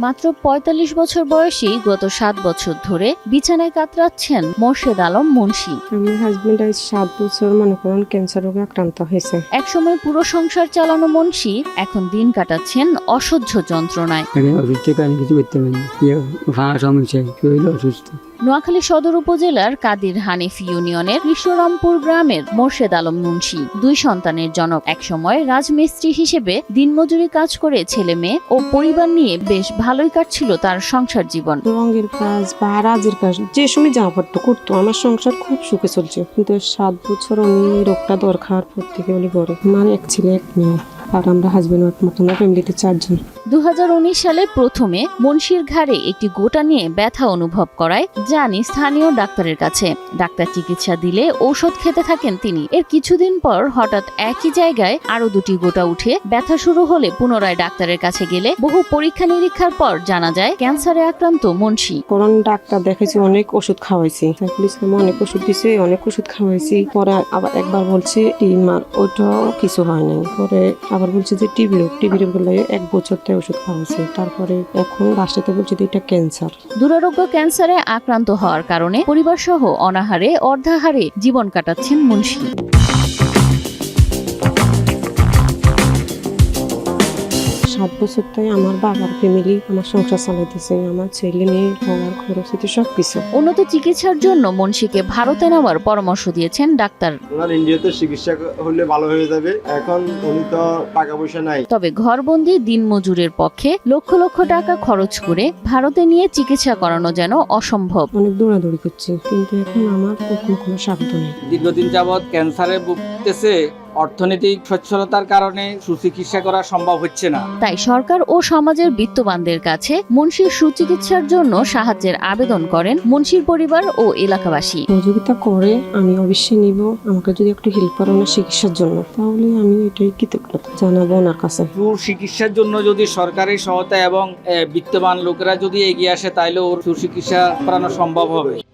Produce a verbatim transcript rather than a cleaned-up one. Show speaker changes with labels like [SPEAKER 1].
[SPEAKER 1] মাত্র পঁয়তাল্লিশ বছর বয়সী গত সাত বছর ধরে বিছানায় কাতরাচ্ছেন মোর্শেদ আলম মুন্সী।
[SPEAKER 2] আমার হাজবেন্ড আজ সাত বছর মনে করেন ক্যান্সার রোগে আক্রান্ত হয়েছে।
[SPEAKER 1] একসময় পুরো সংসার চালানো মুন্সী এখন দিন কাটাচ্ছেন অসহ্য যন্ত্রণায়। নোয়াখালী সদর উপজেলার কাদির হানিফ ইউনিয়নের কৃষ্ণরামপুর গ্রামের মোর্শেদ আলম মুন্সী দুই সন্তানের জনক। একসময় রাজমিস্ত্রি হিসেবে দিনমজুরি কাজ করে ছেলে মেয়ে ও পরিবার নিয়ে বেশ ভালোই কাটছিল তার সংসার জীবন।
[SPEAKER 2] রঙের কাজ বা রাজের কাজ যে সময় যা পারতো করতো, আমার সংসার খুব সুখে চলছে। কিন্তু সাত বছর উনি রোগটা দরকার পর থেকে উনি করে মানে এক ছেলে এক মেয়ে, আর আমরা হাজবেন্ড ওয়াইফ মতন ফ্যামিলিতে চারজন।
[SPEAKER 1] দু হাজার উনিশ সালে প্রথমে মুন্সীর ঘাড়ে একটি গোটা নিয়ে ব্যথা অনুভব করায় জানি স্থানীয় ডাক্তারের কাছে। ডাক্তার চিকিৎসা দিলে ঔষধ খেতে থাকেন তিনি। এর কিছুদিন পর হঠাৎ একই জায়গায় আরো দুটি গোটা উঠে ব্যথা শুরু হলে পুনরায় ডাক্তারের কাছে গেলে বহু পরীক্ষা নিরীক্ষার পর জানা যায় ক্যান্সারে আক্রান্ত মুন্সী।
[SPEAKER 2] কারণ ডাক্তার দেখেছি, অনেক ওষুধ খাওয়াইছি, সাইফুল ইসলাম অনেক ওষুধ দিছে, অনেক ওষুধ খাওয়াইছি। পরে আবার একবার বলছে টিউমার, ওটাও কিছু হয় নাই। পরে আবার বলছে যে টিবি রোগ, টিবি রোগ বলে এক বছর থেকে ওষুধ খাওয়াইছে। তারপরে এখন লাস্টেতে বলছে যে এটা ক্যান্সার।
[SPEAKER 1] দুরারোগ্য ক্যান্সারে আক্রান্ত হওয়ার কারণে পরিবার সহ অনাহারে অর্ধাহারে জীবন কাটাচ্ছেন মুন্সী।
[SPEAKER 2] সাত বছর তাই আমার বাবার ফ্যামিলি আমার সংসার চালাইতেছে, আমার ছেলে মেয়ে পড়ার খরচ হতে সবকিছু।
[SPEAKER 1] উন্নত চিকিৎসার জন্য মুন্সীকে ভারতে নেওয়ার পরামর্শ দিয়েছেন ডাক্তার।
[SPEAKER 3] ওনার ইন্ডিয়াতে চিকিৎসা হলে ভালো হয়ে যাবে, এখন উনি তো টাকা পয়সা নাই।
[SPEAKER 1] তবে ঘরবন্দি দিনমজুরের পক্ষে লক্ষ লক্ষ টাকা খরচ করে ভারতে নিয়ে চিকিৎসা করানো যেন অসম্ভব।
[SPEAKER 2] অনেক দৌড়াদৌড়ি করছি, কিন্তু এখন আমার কোনো কোনো সাধ্য নেই।
[SPEAKER 4] দীর্ঘদিন যাবৎ ক্যান্সারে ভুগতেছে, অর্থনৈতিক সচ্ছলতার কারণে সুচিকিৎসা করা সম্ভব হচ্ছে না।
[SPEAKER 1] তাই সরকার ও সমাজের বিত্তবানদের কাছে মুন্সীর সুচিকিৎসার জন্য সাহায্যের আবেদন করেন মুন্সীর পরিবার ও এলাকাবাসী।
[SPEAKER 2] সহযোগিতা করে আমি অবশ্যই নিব, আমাকে যদি একটু হেল্প করে ওনার চিকিৎসার জন্য, তাহলে আমি এটাই কৃতজ্ঞতা জানাবো ওনার কাছে।
[SPEAKER 4] সুচিকিৎসার জন্য যদি সরকারি সহায়তা এবং বিত্তবান লোকেরা যদি এগিয়ে আসে, তাহলে ওর সুচিকিৎসা করানো সম্ভব হবে।